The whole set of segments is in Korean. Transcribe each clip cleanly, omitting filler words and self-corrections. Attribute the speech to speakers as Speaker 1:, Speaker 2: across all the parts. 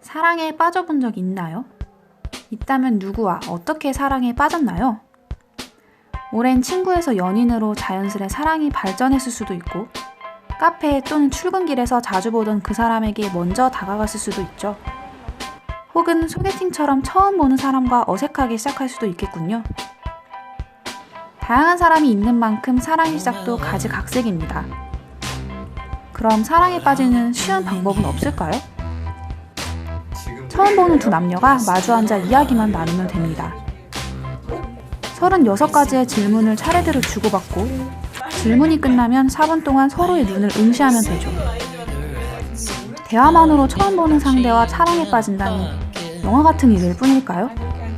Speaker 1: 사랑에 빠져본 적 있나요? 있다면 누구와 어떻게 사랑에 빠졌나요? 오랜 친구에서 연인으로 자연스레 사랑이 발전했을 수도 있고, 카페 또는 출근길에서 자주 보던 그 사람에게 먼저 다가갔을 수도 있죠. 혹은 소개팅처럼 처음 보는 사람과 어색하게 시작할 수도 있겠군요. 다양한 사람이 있는 만큼 사랑의 시작도 가지각색입니다. 그럼 사랑에 빠지는 쉬운 방법은 없을까요? 처음 보는 두 남녀가 마주 앉아 이야기만 나누면 됩니다. 36가지의 질문을 차례대로 주고받고 질문이 끝나면 4분 동안 서로의 눈을 응시하면 되죠. 대화만으로 처음 보는 상대와 사랑에 빠진다니 영화 같은 일일 뿐일까요?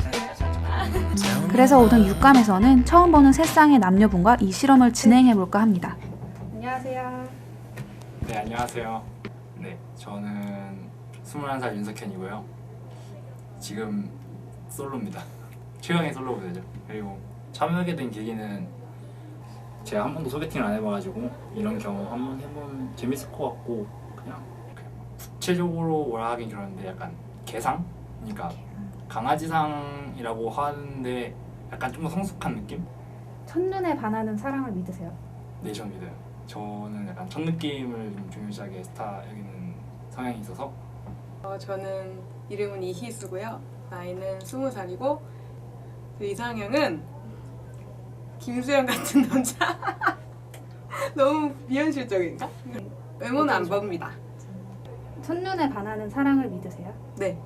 Speaker 1: 그래서 오늘 육감에서는 처음 보는 세 쌍의 남녀분과 이 실험을 진행해볼까 합니다.
Speaker 2: 안녕하세요.
Speaker 3: 네, 안녕하세요. 네, 저는 21살 윤석현이고요. 지금 솔로입니다. 최강의 솔로 모델죠. 그리고 참여하게 된 계기는 제가 한 번도 소개팅을 안 해봐가지고 이런 경험 한번 해보면 재밌을 것 같고, 그냥 구체적으로 뭐라 하긴 그러는데 약간 개상? 그러니까 강아지상이라고 하는데 약간 좀 더 성숙한 느낌?
Speaker 2: 첫눈에 반하는 사랑을 믿으세요?
Speaker 3: 네, 전 믿어요. 저는 약간 첫 느낌을 좀 중요시하게 여기는 성향이 있어서.
Speaker 4: 저는 이름은 이희수고요. 나이는 20살이고 이상형은 김수현 같은 남자. 너무 비현실적인가? 외모는 안 봅니다.
Speaker 2: 첫눈에 반하는 사랑을 믿으세요?
Speaker 4: 네,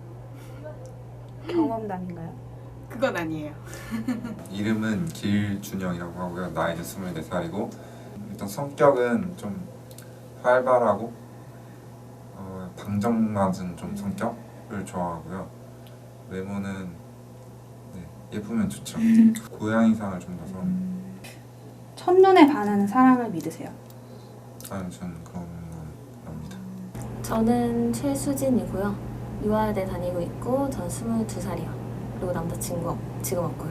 Speaker 2: 경험담인가요?
Speaker 4: 그건 아니에요.
Speaker 5: 이름은 길준영이라고 하고요. 나이는 24살이고 일단 성격은 좀 활발하고 방정맞은 좀 성격을 좋아하고요. 외모는 예쁘면 좋죠. 고양이상을 좀 더 선호합니다.
Speaker 2: 첫눈에 반하는 사랑을 믿으세요?
Speaker 5: 아니, 저는 그런 건 압니다.
Speaker 6: 저는 최수진이고요. 유아대 다니고 있고 전 22살이요. 그리고 남자친구 지금 없고요.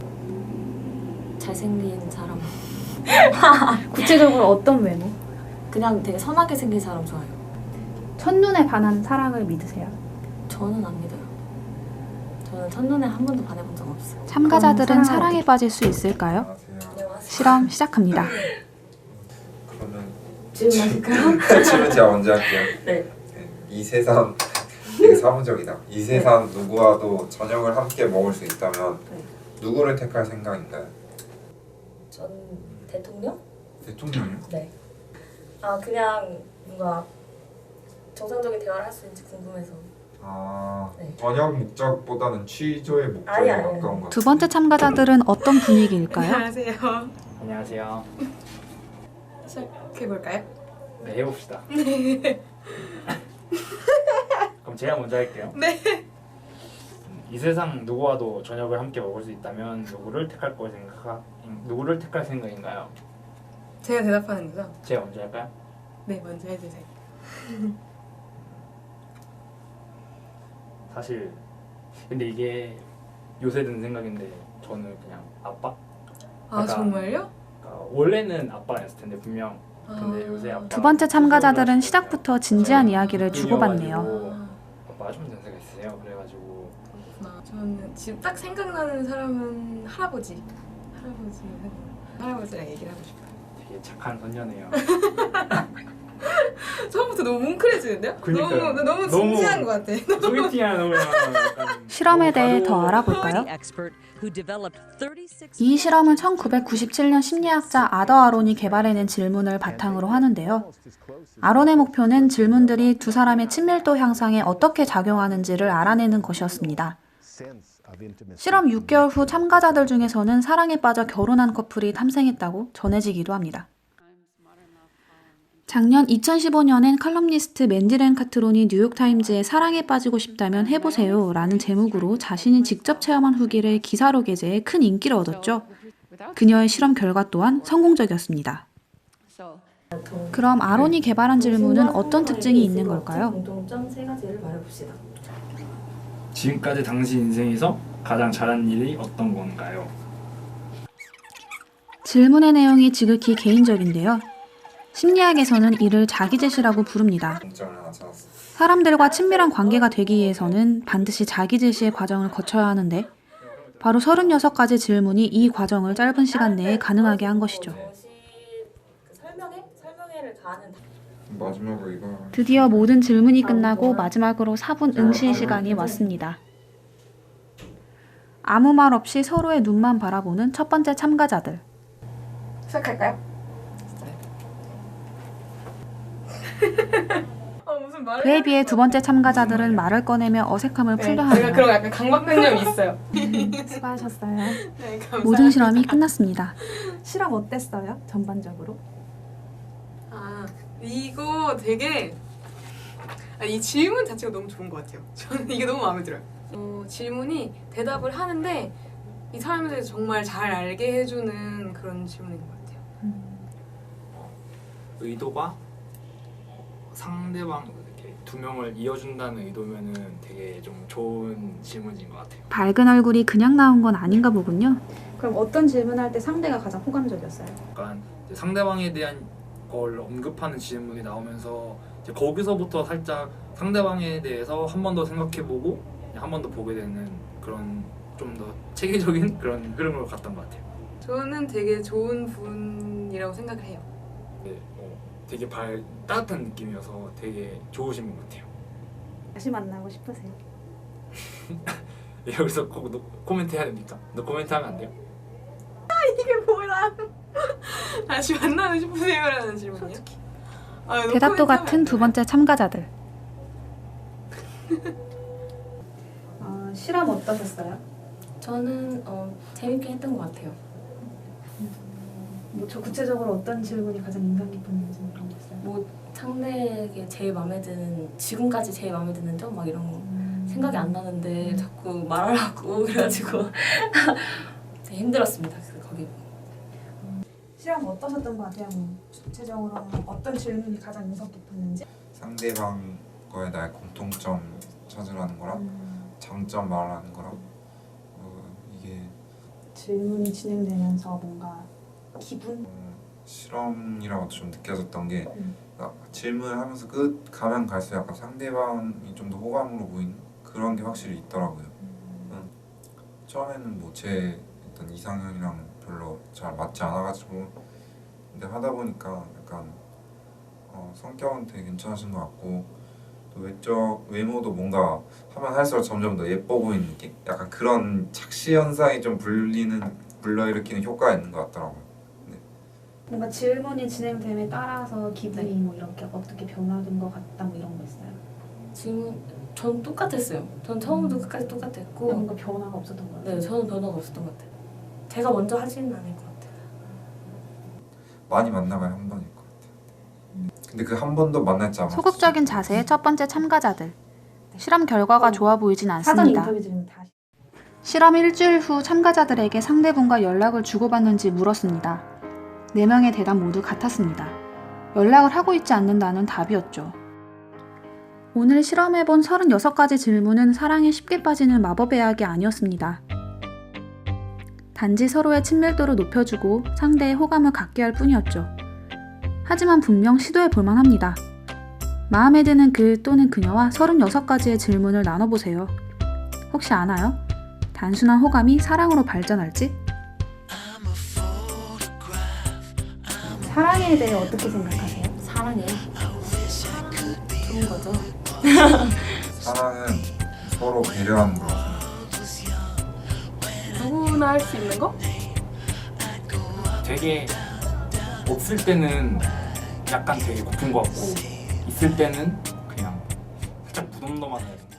Speaker 6: 잘생긴 사람.
Speaker 2: 구체적으로 어떤 외모?
Speaker 6: 그냥 되게 선하게 생긴 사람 좋아해요.
Speaker 2: 첫눈에 반하는 사랑을 믿으세요?
Speaker 6: 저는 안 믿어요. 저는 첫눈에 한 번도 반해본 적 없어요.
Speaker 1: 참가자들은 사랑에 빠질 수 있을까요?
Speaker 5: 안녕하세요.
Speaker 1: 실험 시작합니다.
Speaker 5: 그러면
Speaker 6: 질문하실까요?
Speaker 5: 질문 제가 먼저 할게요.
Speaker 6: 네.
Speaker 5: 이 세상 되게 사무적이다. 이 세상 누구와도 저녁을 함께 먹을 수 있다면
Speaker 6: 네.
Speaker 5: 누구를 택할 생각인가요?
Speaker 6: 전 대통령?
Speaker 5: 대통령이요?
Speaker 6: 네. 아 그냥 뭔가 정상적인 대화를 할 수 있는지 궁금해서. 네.
Speaker 5: 저녁 목적보다는 취조의 목적에
Speaker 6: 아니.
Speaker 5: 가까운 것 같아요.
Speaker 1: 두 번째 참가자들은 어떤 분위기일까요?
Speaker 4: 안녕하세요.
Speaker 3: 안녕하세요.
Speaker 4: 시작해볼까요?
Speaker 3: 네, 해봅시다. 그럼 제가 먼저 할게요.
Speaker 4: 네.
Speaker 3: 이 세상 누구와도 저녁을 함께 먹을 수 있다면 누구를 택할 생각인가요?
Speaker 4: 제가 대답하는 거죠?
Speaker 3: 제가 먼저 할까요?
Speaker 4: 네, 먼저 해주세요.
Speaker 3: 사실 근데 이게 요새 든 생각인데 저는 그냥 아빠?
Speaker 4: 아,
Speaker 3: 그러니까
Speaker 4: 정말요?
Speaker 3: 그러니까 원래는 아빠였을 텐데 분명. 근데 요새 아빠.
Speaker 1: 두 번째 참가자들은 시작부터 진지한 이야기를 주고받네요.
Speaker 3: 아빠가 좀 연세가 있으세요. 그래가지고
Speaker 4: 저는 지금 딱 생각나는 사람은 할아버지랑 얘기를 하고 싶어요.
Speaker 3: 되게 착한 선녀네요.
Speaker 4: 처음부터 너무 뭉클해지는데요?
Speaker 3: 그러니까요.
Speaker 4: 너무 진지한 것 같아.
Speaker 3: 소개팅하는 약간
Speaker 1: 실험에 대해 더 알아볼까요? 이 실험은 1997년 심리학자 아더 아론이 개발해낸 질문을 바탕으로 하는데요. 아론의 목표는 질문들이 두 사람의 친밀도 향상에 어떻게 작용하는지를 알아내는 것이었습니다. 실험 6개월 후 참가자들 중에서는 사랑에 빠져 결혼한 커플이 탐생했다고 전해지기도 합니다. 작년 2015년엔 칼럼니스트 맨디렌 카트론이 뉴욕타임즈에 사랑에 빠지고 싶다면 해보세요 라는 제목으로 자신이 직접 체험한 후기를 기사로 게재해 큰 인기를 얻었죠. 그녀의 실험 결과 또한 성공적이었습니다. 그럼 아론이 개발한 질문은 어떤 특징이 있는 걸까요?
Speaker 6: 공통점 3가지를 말해봅시다.
Speaker 3: 지금까지 당신 인생에서 가장 잘한 일이 어떤 건가요?
Speaker 1: 질문의 내용이 지극히 개인적인데요. 심리학에서는 이를 자기제시라고 부릅니다.
Speaker 5: 공점을 하나 찾았어요.
Speaker 1: 사람들과 친밀한 관계가 되기 위해서는 반드시 자기 제시의 과정을 거쳐야 하는데 바로 36가지 질문이 이 과정을 짧은 시간 내에 가능하게 한 것이죠.
Speaker 6: 설명회를 가는
Speaker 5: 마지막으로 이거
Speaker 1: 드디어 모든 질문이 끝나고 마지막으로 4분 응시 시간이 왔습니다. 아무 말 없이 서로의 눈만 바라보는 첫 번째 참가자들.
Speaker 4: 시작할까요? 무슨 말을
Speaker 1: 그에 비해 두 번째 참가자들은 말을 꺼내며 어색함을 풀려
Speaker 4: 제가
Speaker 1: 하네요.
Speaker 4: 그런 약간 강박관념이 있어요.
Speaker 2: 수고하셨어요.
Speaker 4: 네, 감사합니다.
Speaker 1: 모든 실험이 끝났습니다.
Speaker 2: 실험 어땠어요? 전반적으로?
Speaker 4: 아 이거 되게 이 질문 자체가 너무 좋은 것 같아요. 저는 이게 너무 마음에 들어요. 질문이 대답을 하는데 이 사람에 대해서 정말 잘 알게 해주는 그런 질문인 것 같아요.
Speaker 3: 의도가 상대방 이렇게 두 명을 이어준다는 의도면은 되게 좀 좋은 질문인 것 같아요.
Speaker 1: 밝은 얼굴이 그냥 나온 건 아닌가 보군요.
Speaker 2: 그럼 어떤 질문할 때 상대가 가장 호감적이었어요?
Speaker 3: 약간 이제 상대방에 대한 걸 언급하는 질문이 나오면서 이제 거기서부터 살짝 상대방에 대해서 한 번 더 생각해보고 한 번 더 보게 되는 그런 좀 더 체계적인 그런 흐름으로 갔던 것 같아요.
Speaker 4: 저는 되게 좋은 분이라고 생각을 해요.
Speaker 3: 네, 되게 따뜻한 느낌이어서 되게 좋으신 분 같아요.
Speaker 2: 다시 만나고 싶으세요?
Speaker 3: 여기서 꼭 코멘트 해야 됩니까? 너 코멘트 하면 안 돼요?
Speaker 4: 이게 뭐야? 다시 만나고 싶으세요라는 질문이요?
Speaker 1: 대답도 같은 두 번째 참가자들.
Speaker 2: 실험 어떠셨어요?
Speaker 6: 저는 재밌게 했던 것 같아요.
Speaker 2: 뭐 저 구체적으로 어떤 질문이 가장 인상 깊었는지 그런 거 있어요?
Speaker 6: 뭐 상대에게 제일 마음에 드는 지금까지 제일 마음에 드는 점 막 이런 거 생각이 안 나는데 자꾸 말하라고 그래가지고 되게 힘들었습니다. 그래서 거기
Speaker 2: 실험 어떠셨던 것 같아요? 뭐 구체적으로 어떤 질문이 가장 인상 깊었는지?
Speaker 5: 상대방 거에 나의 공통점 찾으라는 거랑 장점 말하는 거랑 이게
Speaker 2: 질문이 진행되면서 뭔가 기분?
Speaker 5: 실험이라고 좀 느껴졌던 게 질문을 하면서 끝 가면 갈수록 약간 상대방이 좀 더 호감으로 보이는 그런 게 확실히 있더라고요. 처음에는 뭐 제 어떤 이상형이랑 별로 잘 맞지 않아가지고 근데 하다 보니까 약간 성격은 되게 괜찮으신 것 같고 또 외적 외모도 뭔가 하면 할수록 점점 더 예뻐 보이는 느낌? 약간 그런 착시 현상이 좀 불러일으키는 효과가 있는 것 같더라고요.
Speaker 2: 뭔가 질문이 진행됨에 따라서 기분이 뭐 이렇게 어떻게 변화된 것 같다 뭐 이런 거 있어요?
Speaker 6: 질문 전 똑같았어요. 전 처음부터 끝까지 똑같았고
Speaker 2: 뭔가 변화가 없었던 것 같아요?
Speaker 6: 네 저는 변화가 없었던 것 같아요. 제가 먼저 하지는 않을 것 같아요.
Speaker 5: 많이 만나봐야 한 번일 것 같아요. 근데 그 한 번도 만날지 않았어요.
Speaker 1: 소극적인 자세의 첫 번째 참가자들. 실험 결과가 좋아 보이진
Speaker 2: 사전
Speaker 1: 않습니다.
Speaker 2: 인터뷰 질문 다시.
Speaker 1: 실험 일주일 후 참가자들에게 상대분과 연락을 주고받는지 물었습니다. 4명의 대답 모두 같았습니다. 연락을 하고 있지 않는다는 답이었죠. 오늘 실험해본 36가지 질문은 사랑에 쉽게 빠지는 마법의 약이 아니었습니다. 단지 서로의 친밀도를 높여주고 상대의 호감을 갖게 할 뿐이었죠. 하지만 분명 시도해 볼만 합니다. 마음에 드는 그 또는 그녀와 36가지의 질문을 나눠보세요. 혹시 아나요? 단순한 호감이 사랑으로 발전할지?
Speaker 2: 사랑에 대해 어떻게 생각하세요?
Speaker 6: 사랑해. 좋은 거죠.
Speaker 5: 사랑은 서로 배려하는 거라고
Speaker 4: 누구나 할 수 있는 거?
Speaker 3: 되게 없을 때는 약간 되게 고픈 것 같고 있을 때는 그냥 살짝 무덤덤한